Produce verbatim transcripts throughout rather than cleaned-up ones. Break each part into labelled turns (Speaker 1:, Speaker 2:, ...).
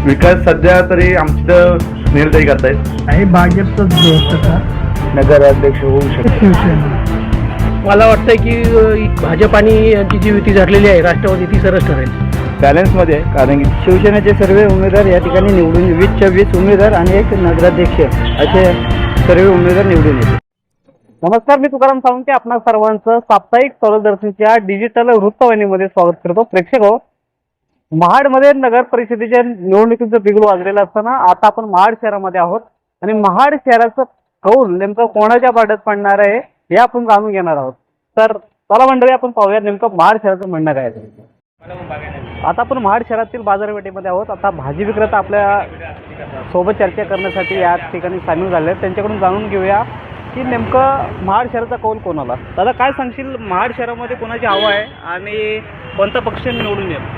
Speaker 1: विकास सध्या तरी आमचं सुनीलताई करतायत
Speaker 2: आहे भाजपचंच जोर तसा
Speaker 1: नगराध्यक्ष होऊ शकते
Speaker 2: शिवसेना.
Speaker 3: मला वाटतं की अ, भाजप आणि यांची जी युती झालेली आहे राष्ट्रवादी ती सरस ठरेल.
Speaker 1: बॅलन्समध्ये आहे, कारण की
Speaker 4: शिवसेनेचे सर्व उमेदवार या ठिकाणी निवडून वीसच्या वीस उमेदवार आणि एक नगराध्यक्ष असे सर्व उमेदवार निवडून येतील. नमस्कार, मी तुकाराम सावंत. आपणा सर्वांचं साप्ताहिक सौरदर्शनच्या डिजिटल वृत्तवाहिनीमध्ये स्वागत करतो. प्रेक्षक हो, महाडमध्ये नगर परिषदेच्या निवडणुकीचं बिगुल वाजलेलं असताना आता आपण महाड शहरामध्ये आहोत आणि महाड शहराचं कौल नेमकं कोणाच्या पाड्यात पडणार आहे हे आपण जाणून घेणार आहोत. तर चला मंडळी, आपण पाहूया नेमकं महाड शहराचं म्हणणं काय आहे. आता आपण महाड शहरातील बाजारपेठेमध्ये आहोत. आता भाजी विक्रेता आपल्या सोबत चर्चा करण्यासाठी या ठिकाणी सामील झाले आहेत. त्यांच्याकडून जाणून घेऊया की नेमकं महाड शहराचा कौल कोणाला. दादा, काय सांगशील, महाड शहरामध्ये कोणाची हवा आहे आणि कोणता पक्ष निवडून येईल?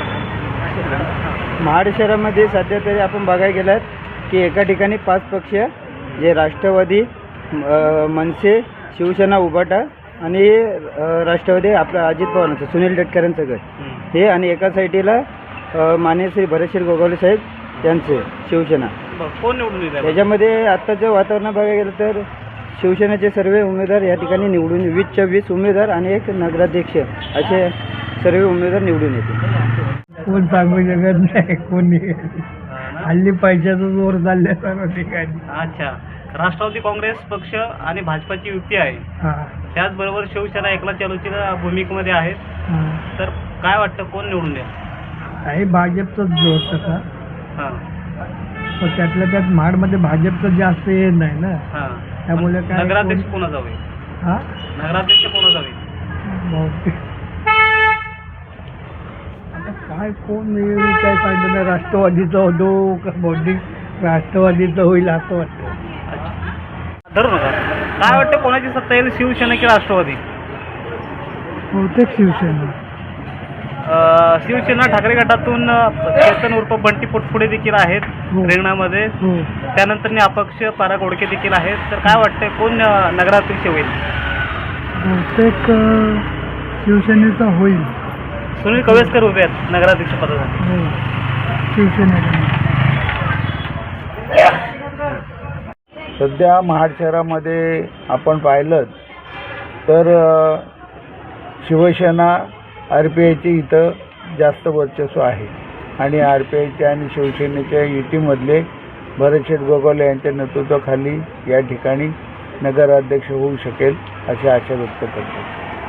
Speaker 4: महाड शहरामध्ये सध्या तरी आपण बघायला गेलात की एका ठिकाणी पाच पक्ष जे राष्ट्रवादी, अ, मनसे, शिवसेना, उभाटा आणि अ, राष्ट्रवादी आपलं अजित पवारांचं सुनील तटकरेंचं गट हे, आणि एका साईडला अ, माननीय श्री भरतशीर गोगावले साहेब यांचे शिवसेना.
Speaker 3: कोण निवडून येईल?
Speaker 4: त्याच्यामध्ये आत्ताचं वातावरण बघायला गेलं तर शिवसेनेचे सर्व उमेदवार या ठिकाणी निवडून वीसच्या वीस उमेदवार आणि एक नगराध्यक्ष असे सर्व उमेदवार निवडून येतील.
Speaker 2: कोण सांगू शकत नाही कोणी. हल्ली पैशाचा जोर चालल्या सर्व ठिकाणी.
Speaker 5: अच्छा, राष्ट्रवादी काँग्रेस पक्ष आणि भाजपाची युती आहे,
Speaker 2: हा
Speaker 5: त्याचबरोबर शिवसेना एकला चालूच्या भूमिकेमध्ये आहे.
Speaker 2: हा
Speaker 5: तर काय वाटतं, कोण निवडून द्या?
Speaker 2: आहे भाजपचंच जोर तसा.
Speaker 5: हां
Speaker 2: पण त्यातल्या त्यात महाडमध्ये भाजपचं जास्त हे नाही ना,
Speaker 5: हां
Speaker 2: त्यामुळे काय
Speaker 5: नगराध्यक्ष
Speaker 2: कोण-
Speaker 5: कोणा जावे?
Speaker 2: हा
Speaker 5: नगराध्यक्ष कोणा जावे?
Speaker 2: बहुतेक. आता काय कोण येईल काय सांगतो ना, राष्ट्रवादीचा होतो का बहुतेक राष्ट्रवादीचं होईल असं वाटतं.
Speaker 5: धरू नका. काय वाटतं, कोणाची सत्ता येईल, शिवसेना की राष्ट्रवादी?
Speaker 2: बहुतेक शिवसेना.
Speaker 5: अं, शिवसेना ठाकरे गटातून अं, चेतन उर्फ बंटी पोटपुडे देखील आहेत
Speaker 2: हो.
Speaker 5: रिंगणामध्ये.
Speaker 2: हो,
Speaker 5: त्यानंतर अपक्ष पारा गोडके देखील आहेत. तर काय वाटतंय, कोण अं, नगराध्यक्ष होईल?
Speaker 2: बहुतेक अं, शिवसेनेचा होईल.
Speaker 5: सुनील कवेसकर उभे आहेत नगराध्यक्ष पदासाठी.
Speaker 2: हो, शिवसेनेचा.
Speaker 1: सध्या महाड शहरामध्ये आपण पाहिलं तर अ, शिवसेना आर पी आयची इथं जास्त वर्चस्व आहे आणि आर पी आयच्या आणि शिवसेनेच्या युतीमधले भरतशेठ गोगावले यांच्या नेतृत्वाखाली या ठिकाणी नगराध्यक्ष होऊ शकेल अशी आशा व्यक्त करतो.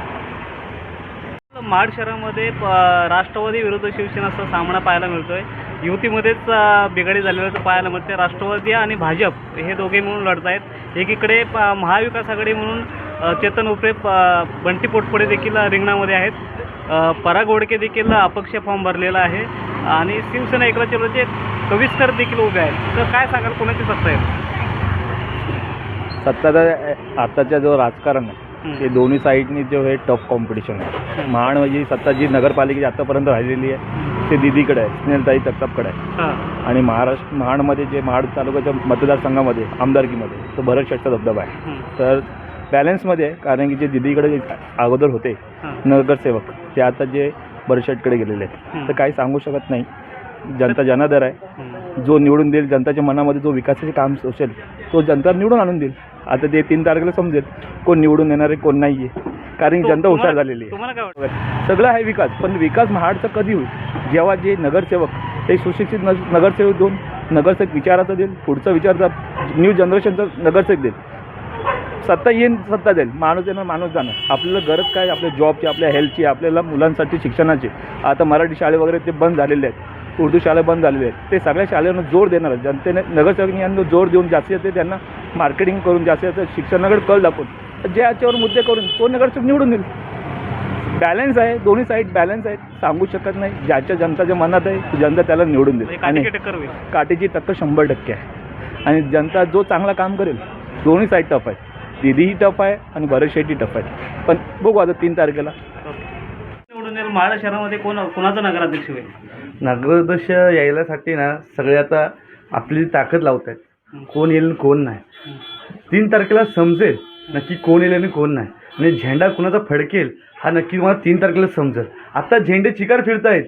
Speaker 5: महाड शहरामध्ये प- राष्ट्रवादी विरुद्ध शिवसेनाचा सामना पाहायला मिळतोय. युतीमध्येच अ, बिघाडी झालेलं पाहायला मिळते. राष्ट्रवादी आणि भाजप हे दोघे मिळून लढत आहेत. एकीकडे प- महाविकास आघाडी म्हणून अ, चेतन उपरे, प- बंटी पोटपुडे देखील रिंगणामध्ये आहेत. अ, परा गोडके देखील अपक्ष फॉर्म भरलेला आहे आणि शिवसेना एकला चलोचे कविस्कर देखील उभे आहेत. तर काय सांगाल, कोणाची सत्ता आहे?
Speaker 6: सत्ता आताच्या जो राजकारण आहे ते दोन्ही साईडनी जो हे टफ कॉम्पिटिशन आहे. महाड म्हणजे सत्ता जी नगरपालिकेची आतापर्यंत राहिलेली आहे ते दिदीकडे आहे, स्नेहलताई जगतापकडे आहे.
Speaker 5: हां
Speaker 6: आणि महाराष्ट्र महाडमध्ये जे महाड तालुक्याच्या मतदारसंघामध्ये आमदारकीमध्ये तो भरत शेठचा धबधबा आहे. तर बॅलन्समध्ये आहे, कारण की जे दिदीकडे अगोदर होते नगरसेवक ते आता जे भरत शेठकडे गेलेले आहेत. तर काही सांगू शकत नाही. जनता जनादर आहे. जो निवडून देईल, जनताच्या मनामध्ये जो विकासाचे काम असेल तो जनता निवडून आणून देईल. आता ते तीन तारखेला समजेल कोण निवडून येणार आहे कोण नाही आहे, कारण की जनता हुशार झालेली आहे.
Speaker 5: तुम्हाला काय वाटतं?
Speaker 6: सगळं आहे विकास, पण विकास महाडचा कधी होईल जेव्हा जे नगरसेवक ते सुशिक्षित न नगरसेवक देऊन नगरसेवक विचाराचा देईल, पुढचा विचारचा न्यू जनरेशनचा नगरसेवक देईल. सत्ता येईन, सत्ता देईल, माणूस येणार माणूस जाणार. आपल्याला गरज काय, आपल्या जॉबची, आपल्या हेल्थची, आपल्याला मुलांसाठी शिक्षणाची. आता मराठी शाळे वगैरे ते बंद झालेले आहेत, उर्दू शाळा बंद झालेले आहेत. ते सगळ्या शाळेनं जोर देणार. जनतेने नगरसेवकांनी यांना जोर देऊन जास्तीत जास्त त्यांना मार्केटिंग करून जास्तीत जास्त शिक्षणाकडे कल दाखवून जे याच्यावर मुद्दे करून तो नगरसेवक निवडून देईल. बॅलन्स आहे, दोन्ही साईड बॅलन्स आहेत. सांगू शकत नाही. ज्याच्या जनताच्या मनात आहे जनता त्याला निवडून देईल. आणि
Speaker 5: काटेकी टक्कर होईल.
Speaker 6: काटेची टक्कर शंभर टक्के आहे. आणि जनता जो चांगला काम करेल, दोन्ही साईड टफ आहे. दिदीही टफ आहे आणि भरत शेट्टी टफ आहे. पण बघू आता तीन तारखेला
Speaker 5: निवडून येईल. महाड शहरामध्ये कोण कोणाचा नगराध्यक्ष होईल?
Speaker 1: नगराध्यक्ष यायलासाठी ना सगळे आता आपली ताकद लावत आहेत, कोण येईल आणि कोण नाही. तीन तारखेला समजेल नक्की कोण येईल आणि कोण नाही, आणि झेंडा कुणाचा फडकेल हा नक्की तुम्हाला तीन तारखेला समजेल. आता झेंडे चिकार फिरतायत,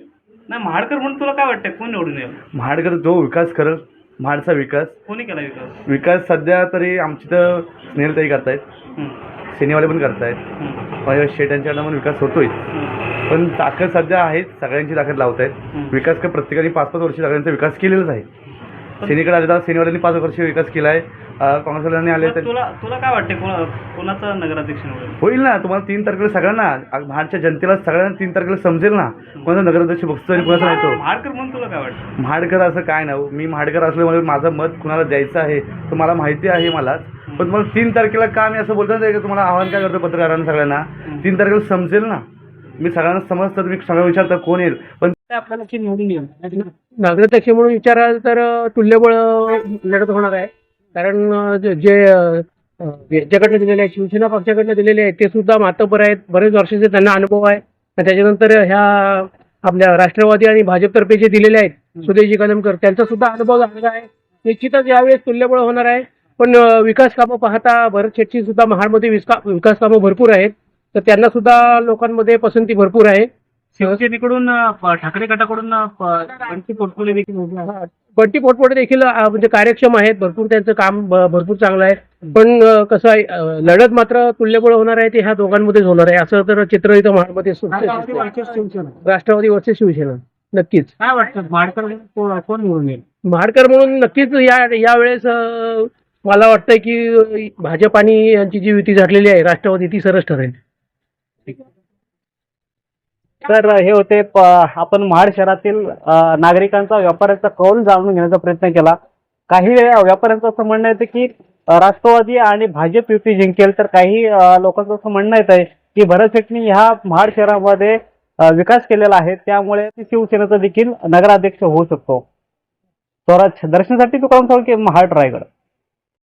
Speaker 5: नाही, महाडकर म्हणून तुला काय वाटतंय कोण निवडून येईल?
Speaker 7: महाडकर जो विकास करल, महाडचा विकास
Speaker 5: कोणी केला विकास?
Speaker 7: विकास सध्या तरी आमची तर स्नेहलताई करतायत,
Speaker 5: हं,
Speaker 7: सेनेवाले पण करतायत,
Speaker 5: हं,
Speaker 7: माझ्या शेट यांच्याकडनं पण विकास होतोय.
Speaker 5: हं,
Speaker 7: पण ताकद सध्या आहे, सगळ्यांची ताकद लावतायत.
Speaker 5: हं.
Speaker 7: विकास काय प्रत्येकाने पाच पाच वर्ष सगळ्यांचा विकास केलेलाच आहे. सेनेकडे आले तर सेनेवाल्यांनी पाच वर्ष विकास केला आहे, काँग्रेसवाल्यांनी आले
Speaker 5: मग
Speaker 7: तर
Speaker 5: तुला तुला काय वाटतंय कोणा कोणाचा नगराध्यक्ष निवडेल?
Speaker 7: होईल ना. तुम्हाला तीन तारखेला सगळ्यांना, महाडच्या जनतेला सगळ्यांना तीन तारखेला समजेल ना कोणाचा नगराध्यक्ष बघतो आणि कोणाचा नाही तो.
Speaker 5: महाडकर म्हणून तुला काय वाटतं?
Speaker 7: महाडकर असं काय ना, मी महाडकर असल्यामुळे माझं मत कुणाला द्यायचं आहे तर मला माहिती आहे मलाच. पण तुम्हाला तीन तारखेला का मी असं बोलतो ना, की तुम्हाला आव्हान काय करतो पत्रकारांना सगळ्यांना, तीन तारखेला समजेल ना. मी सगळ्यांना समजतं, मी सगळं विचारतं कोण येईल, पण
Speaker 3: आपल्याला की निवडून येईल नगराध्यक्ष म्हणून विचाराल तर अ, तुल्यबळ लढत होणार आहे. कारण अ, जे जे, अ, ज्याच्याकडनं दिलेले आहेत, शिवसेना पक्षाकडनं दिलेले आहेत ते सुद्धा मातब्बर आहेत, बरेच वर्षाचे त्यांना अनुभव आहे. आणि त्याच्यानंतर ह्या आपल्या राष्ट्रवादी आणि भाजपतर्फे जे दिलेले आहेत सुदेशजी कलमकर, त्यांचा सुद्धा अनुभव झालेला आहे. निश्चितच यावेळेस तुल्यबळ होणार आहे. पण अ, विकास कामं पाहता भरत शेट्टी सुद्धा महाडमध्ये विस्का विकास कामं भरपूर आहेत, तर त्यांना सुद्धा लोकांमध्ये पसंती भरपूर आहे.
Speaker 5: शिवसेनेकडून अ, ठाकरे गटाकडून अ, प- बंटी पोटकुले देखील उभे आहेत.
Speaker 3: हा, बंटी पोटपोटे देखील अ, म्हणजे कार्यक्षम आहेत, भरपूर त्यांचं काम ब- भरपूर चांगलं आहे. पण अ, कसं आहे, अ, लढत मात्र तुल्यबळ होणार आहे ते ह्या दोघांमध्येच होणार आहे, असं तर चित्र इथं महाडमध्ये सु- राष्ट्रवादी वर्सेस शिवसेना नक्कीच.
Speaker 5: काय वाटतं महाडकर कोण कोण निवडून येईल?
Speaker 3: महाडकर म्हणून नक्कीच या यावेळेस अ, मला वाटतंय की भाजप आणि यांची जी युती झालेली आहे राष्ट्रवादी ती सरस ठरेल.
Speaker 4: तर हे होते प- आपण महाड शहरातील अ, नागरिकांचा व्यापाऱ्यांचा कौल जाणून घेण्याचा प्रयत्न केला. काही व्यापाऱ्यांचं असं म्हणणं येतं की अ, राष्ट्रवादी आणि भाजप युती जिंकेल, तर काही अ, लोकांचं असं म्हणणं येत आहे की भरत शेट्टी ह्या महाड शहरामध्ये अ, विकास केलेला आहे, त्यामुळे शिवसेनेचा देखील नगराध्यक्ष होऊ शकतो. स्वराज दर्शनासाठी तुकाराम साळुंखे, महाड रायगड.